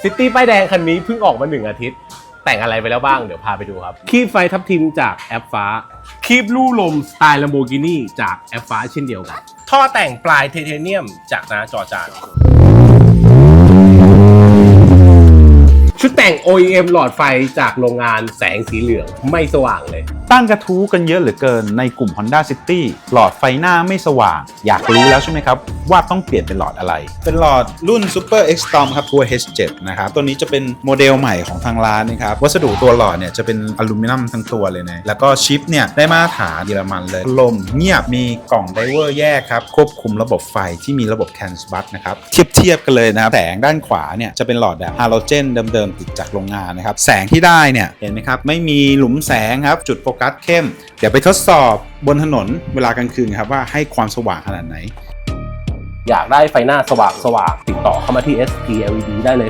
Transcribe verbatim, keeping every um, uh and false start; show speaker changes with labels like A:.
A: ซิตี้ป้ายแดงคันนี้เพิ่งออกมาหนึ่งอาทิตย์แต่งอะไรไปแล้วบ้างเดี๋ยวพาไปดูครับคีบไฟทับทิมจากแอปฟ้าคีบลู่ลมสไตล์ Lamborghini จากแอปฟ้าเช่นเดียวกันท่อแต่งปลายไทเทเนียมจากนาจอจานชุดแต่ง โอ อี เอ็ม หลอดไฟจากโรงงานแสงสีเหลืองไม่สว่างเลย
B: ตั้งกระทู้กันเยอะเหลือเกินในกลุ่ม Honda City หลอดไฟหน้าไม่สว่างอยากรู้แล้วใช่ไหมครับว่าต้องเปลี่ยนเป็นหลอดอะไรเป็นหลอดรุ่น Super Extreme ครับตัว เอช เซเว่น นะครับตัวนี้จะเป็นโมเดลใหม่ของทางร้านนะครับวัสดุตัวหลอดเนี่ยจะเป็นอลูมิเนียมทั้งตัวเลยนะแล้วก็ชิปเนี่ยได้มาตรฐานเยอรมันเลยลมเงียบมีกล่องไดเวอร์แยกครับควบคุมระบบไฟที่มีระบบ CAN bus นะครับเทียบเทียบกันเลยนะครับแสงด้านขวาเนี่ยจะเป็นหลอดแบบฮาโลเจนเดิมๆติดจากโรงงานนะครับแสงที่ได้เนี่ยเห็นไหมครับไม่มีหลุมแสงครับจุดโฟกัสเข้มเดี๋ยวไปทดสอบบนถนนเวลากลางคืนครับว่าให้ความสว่างขนาดไหน
A: อยากได้ไฟหน้าสว่างสว่างติดต่อเข้ามาที่ เอส พี แอล อี ดี ได้เลย